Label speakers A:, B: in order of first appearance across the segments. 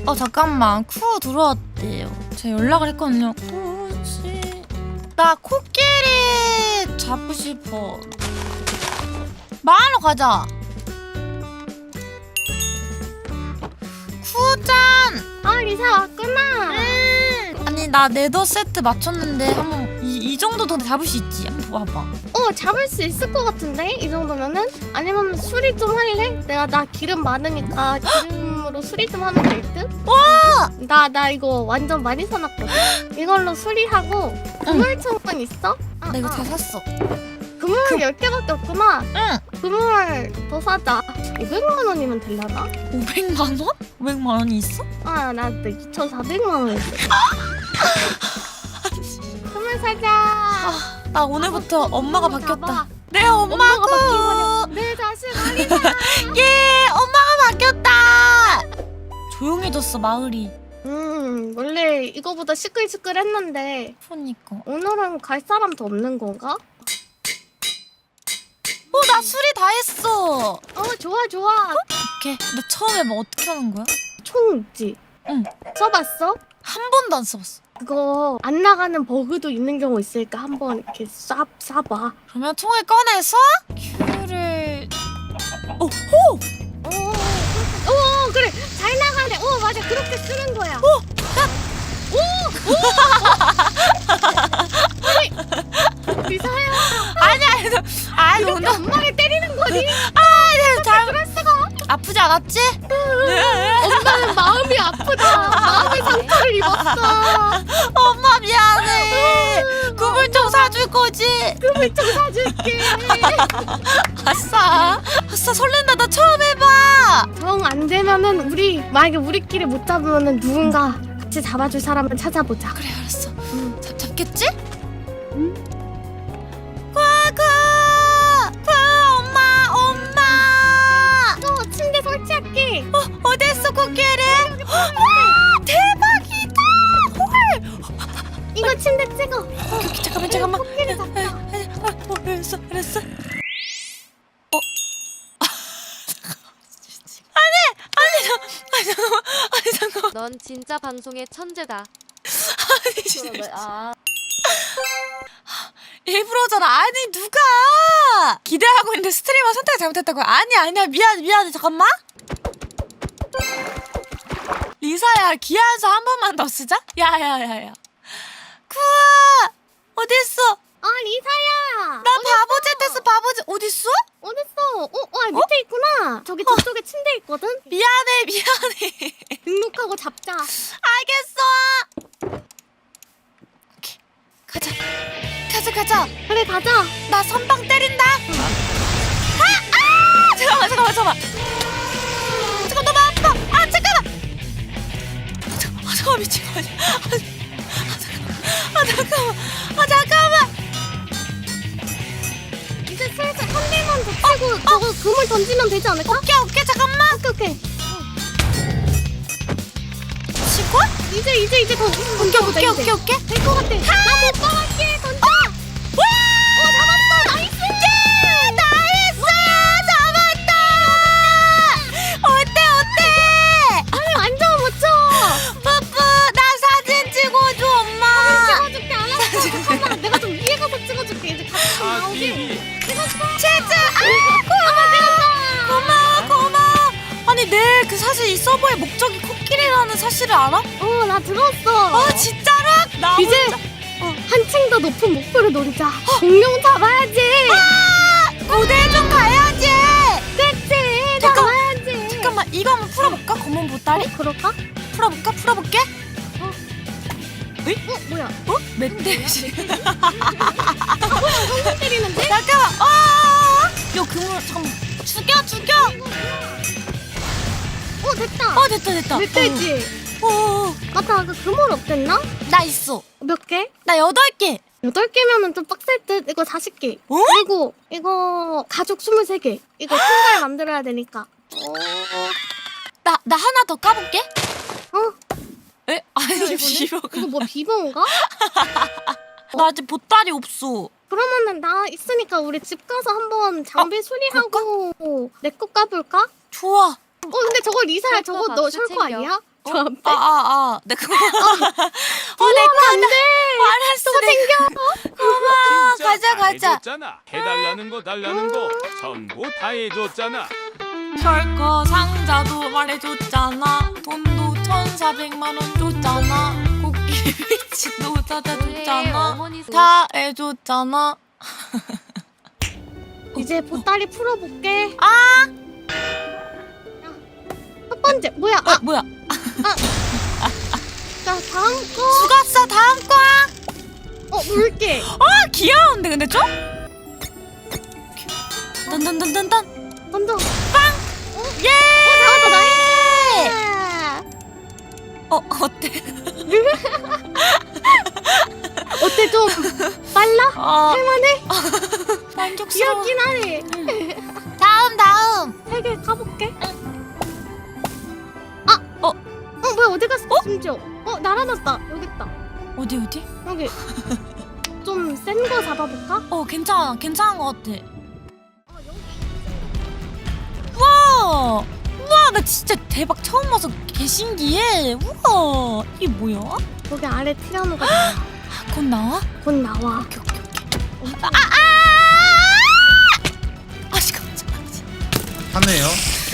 A: 잠깐만. 쿠 들어왔대요. 제가 연락을 했거든요. 쿠씨. 나 코끼리 잡고 싶어. 마을로 가자. 쿠짠.
B: 리사 왔구나.
A: 아니 나 네더 세트 맞췄는데 한번 이 정도 더 잡을 수 있지? 한번 봐봐.
B: 잡을 수 있을 것 같은데? 이 정도면은? 아니면 수리 좀 할래? 나 기름 많으니까 기름으로 수리 좀 하면 될 듯?
A: 와!
B: 나 이거 완전 많이 사놨거든? 이걸로 수리하고 그물총은 있어?
A: 나 이거 다 샀어.
B: 그물 10개밖에 없구나.
A: 응.
B: 그물 더 사자. 500만 원이면 되려나?
A: 500만 원? 500만 원이 있어?
B: 나 2,400만 원 있어. 그물 사자.
A: 나 오늘부터 엄마가 바뀌었다.
B: 봐봐.
A: 내 엄마고.
B: 내 자식 아니다.
A: 예, 엄마가 바뀌었다. 조용해졌어 마을이.
B: 원래 이거보다 시끌시끌했는데
A: 그러니까.
B: 오늘은 갈 사람도 없는 건가?
A: 나 수리 다 했어.
B: 좋아.
A: 오케이. 나 처음 해봐. 어떻게 하는 거야?
B: 총 있지?
A: 응.
B: 써봤어?
A: 한 번도 안 써봤어.
B: 그거 안 나가는 버그도 있는 경우 있으니까 한번 이렇게 쏴봐.
A: 그러면 총을 꺼내서 큐를. 호!
B: 그래 잘 나가네. 맞아 그렇게 쓰는 거야. 아니 리사야.
A: 아니
B: 이렇게 엄마를 때리는 거니?
A: 잘
B: 그럴 수가?
A: 아프지 않았지?
B: 엄마는 마음이 아프다. 마음의 상처를 입었어.
A: 엄마 미안해. 그물 좀 사줄 거지?
B: 그물 좀 사줄게.
A: 아싸 설렌다. 나 처음 해봐.
B: 정 안 되면은 만약에 우리끼리 못 잡으면은 누군가 같이 잡아줄 사람을 찾아보자.
A: 그래 알았어. 잡겠지? 엄마.
B: 침대 설치할게.
A: 어딨어 코끼리? 대박이다.
B: 이거 침대 찍어.
A: 오케이, 잠깐만.
B: 코끼리 잡자.
A: 알았어. 잠깐만.
C: 넌 진짜 방송의 천재다.
A: 일부러잖아. 아니 누가 기대하고 있는데 스트리머 선택 잘못했다고. 아니야 미안해. 잠깐만. 리사야 기아에서 한 번만 더 쓰자. 야야야야. 쿠아 어딨어?
B: 리사야.
A: 나 바보짓 했어. 바보짓 어딨어?
B: 어딨어? 밑에 있구나. 저기 저쪽에 침대 있거든.
A: 미안해.
B: 등록하고 잡자.
A: 알겠어. 오케이 가자.
B: 그래 가자.
A: 나 선빵 때린다. 잠깐만. 잠깐 너무 아파. 잠깐만 미친 거 아니야. 잠깐만.
B: 이제 슬슬 한 대만 더 치고 저거 그물 던지면 되지 않을까?
A: 오케이 잠깐만.
B: 오케이.
A: 치고?
B: 이제 던져보자.
A: 오케이.
B: 될 것 같아. 나 못 봐갈게. 던져. 잡았어. 나이스.
A: 나이스. 잡았다. 어때?
B: 아니 완전 멋져.
A: 뿌뿌 나 사진 찍어줘 엄마.
B: 찍어줄게. 알았어. 잠깐만. 내가 좀 위에 가서 찍어줄게. 이제 같이 나오게. 찍었어.
A: 치즈. 고마워. 아니 내 그 사실 이 서버의 목적이 코끼리라는 사실을 알아?
B: 나 들었어.
A: 진짜로? 나
B: 이제
A: 혼자-
B: 한층 더 높은 목표를 노리자. 공룡 잡아야지.
A: 고대 좀 가야지.
B: 그치.
A: 잠깐.
B: 잡아야지.
A: 잠깐만 이거 한번 풀어볼까? 검은 보따리?
B: 그럴까?
A: 풀어볼게.
B: 뭐야?
A: 멧돼지.
B: 똥 때리는데?
A: 잠깐만. 요 그물 잠깐만. 죽여.
B: 됐다.
A: 됐다.
B: 멧돼지. 맞다. 그 그물 없댔나?
A: 나 있어.
B: 몇 개?
A: 나 8개.
B: 8개면은 좀 빡셀 듯. 이거 40개.
A: 어?
B: 그리고 이거 가죽 23개. 이거 신발 만들어야 되니까.
A: 나 하나 더 까볼게. 에? 아니
B: 이거네?
A: 비벼가.
B: 이거 뭐 비번가?
A: 나 아직 보따리 없어.
B: 그러면은 나 있으니까 우리 집 가서 한번 장비 수리하고 내 거 까볼까?
A: 좋아.
B: 근데 저거 리사야.
C: 철거
B: 저거 너
C: 박스
B: 철거
C: 챙겨.
B: 아니야? 저 앞에.
A: 내 그거. 내 거.
B: 안 돼.
A: 알았어.
B: 또 생겨.
A: 고마워.
D: 진짜
A: 가자,
D: 다
A: 가자.
D: 해줬잖아. 해달라는 거 달라는 거 전부 다 해줬잖아.
A: 셜커 상자도 말해줬잖아. 돈도 1,400만 원 줬잖아. 코끼리 위치도
C: 왜
A: 찾아줬잖아.
C: 어머니
A: 다 해줬잖아.
B: 이제 보따리 풀어볼게.
A: 아!
B: 첫 번째 뭐야?
A: 뭐야?
B: 자 다음 거.
A: 죽었어. 다음 거야.
B: 물게.
A: 아, 귀여운데 근데 좀? 던던던던던.
B: 던져.
A: 예!
B: 나왔다 나이스.
A: 어때?
B: 어때 좀 빨라? 할만해?
A: 만족스러워.
B: 귀엽긴 하네.
A: 다음.
B: 3개 가볼게. 뭐야 어디 갔어? 심지어. 날아났다. 여기 있다.
A: 어디?
B: 여기. 좀 센 거 잡아볼까?
A: 괜찮은 것 같아. 우와, 나 진짜 대박 처음 와서 개 신기해. 우와, 이게 뭐야?
B: 거기 아래 티라노가
A: 곧 나와?
B: 곧 나와.
A: 오케이. 잠깐만.
E: 하네요.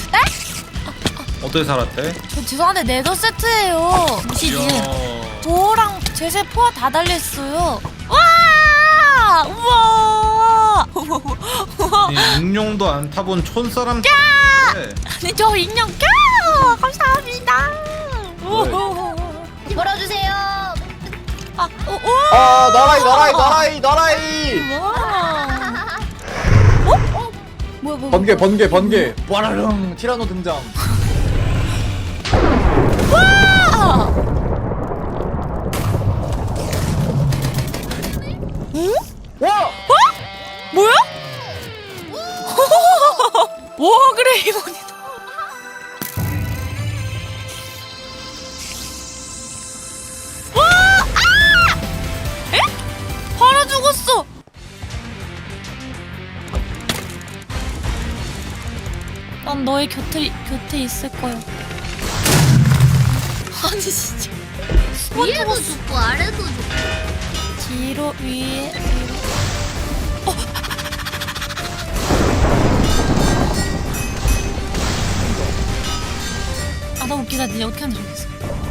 E: 어떻게 살았대?
A: 저 죄송한데 네더 세트예요. 시즌.
E: 이야.
A: 도어랑 제세 포화 다 달렸어요. 와! 우와!
E: 이 익룡도 안 타본 촌사람.
A: 아니 저 인형 껴! 감사합니다.
F: 걸어주세요.
A: 나라이. 뭐야?
G: 번개 와라릉 티라노 등장.
A: 응?
G: 와!
A: 뭐야? 와 그래 이건이다. 와! 에? 바로 죽었어. 난 너의 곁에 있을 거야. 아니 진짜.
F: 위에도 죽고 아래도 죽고.
A: 뒤로 위에. 나 웃기다. 니네 어떻게 하는지 모르겠어.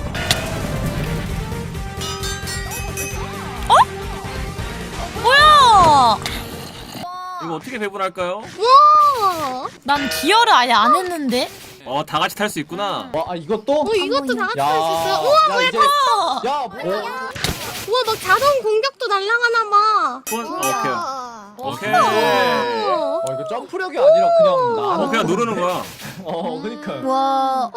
A: 뭐야?
H: 이거 어떻게 배분할까요?
B: 와!
A: 난 기어를 아예 안 했는데.
H: 다 같이 탈 수 있구나.
G: 이것도?
B: 이것도 다 같이
G: 야,
B: 할 수 있어요? 우와
G: 야,
B: 뭐야?
G: 이제 야,
B: 우와 막 자동 공격도 날아가나 봐.
H: 오케이.
G: 이거 점프력이 아니라 그냥 나.
H: 그냥 누르는 거야.
G: 그러니까.
F: 와.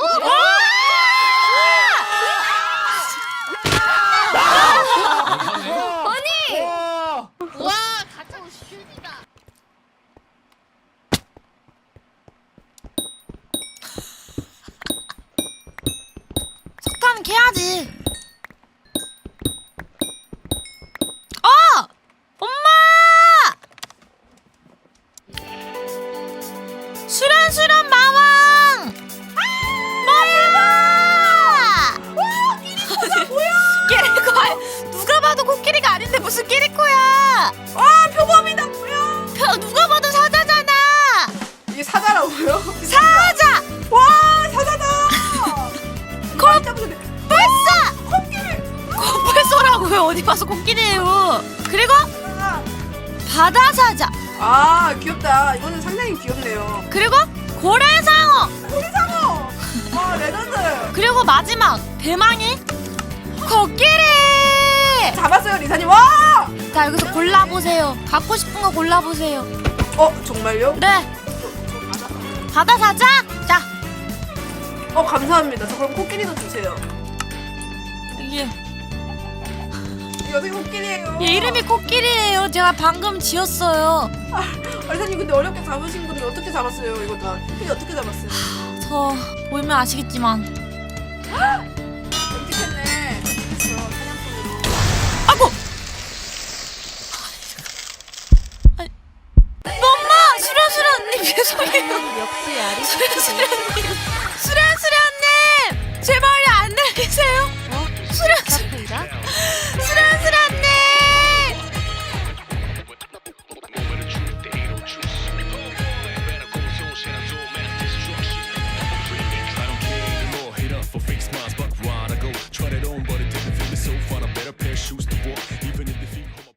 F: 와 가짜 슈이다.
A: 석탄 캐야지. 엄마! 수련수련 마왕! 끼리코야! 누가 봐도 코끼리가 아닌데 무슨 끼리코야! 표범이다 뭐야! 누가 봐도 사자잖아!
I: 이게 사자라고요?
A: 사자!
I: 와 사자다!
A: 벌써! 코뿔소라고요. 어디 봐서 코끼리예요. 그리고 바다 사자.
I: 아 귀엽다. 이거는 상당히 귀엽네요.
A: 그리고 고래상어.
I: 고래상어! 와 레전드!
A: 그리고 마지막 대망의 코끼리.
I: 잡았어요 리사님. 와!
A: 자 여기서 골라보세요. 갖고 싶은 거 골라보세요.
I: 정말요?
A: 네. 바다 사자. 자
I: 감사합니다. 저 그럼 코끼리도 주세요.
A: 이게
I: 이거 어떻게 코끼리예요?
A: 얘 이름이 코끼리예요. 제가 방금 지었어요.
I: 리사님 근데 어렵게 잡으신 분이 어떻게 잡았어요? 이거 다 코끼리 어떻게 잡았어요?
A: 저 보면 아시겠지만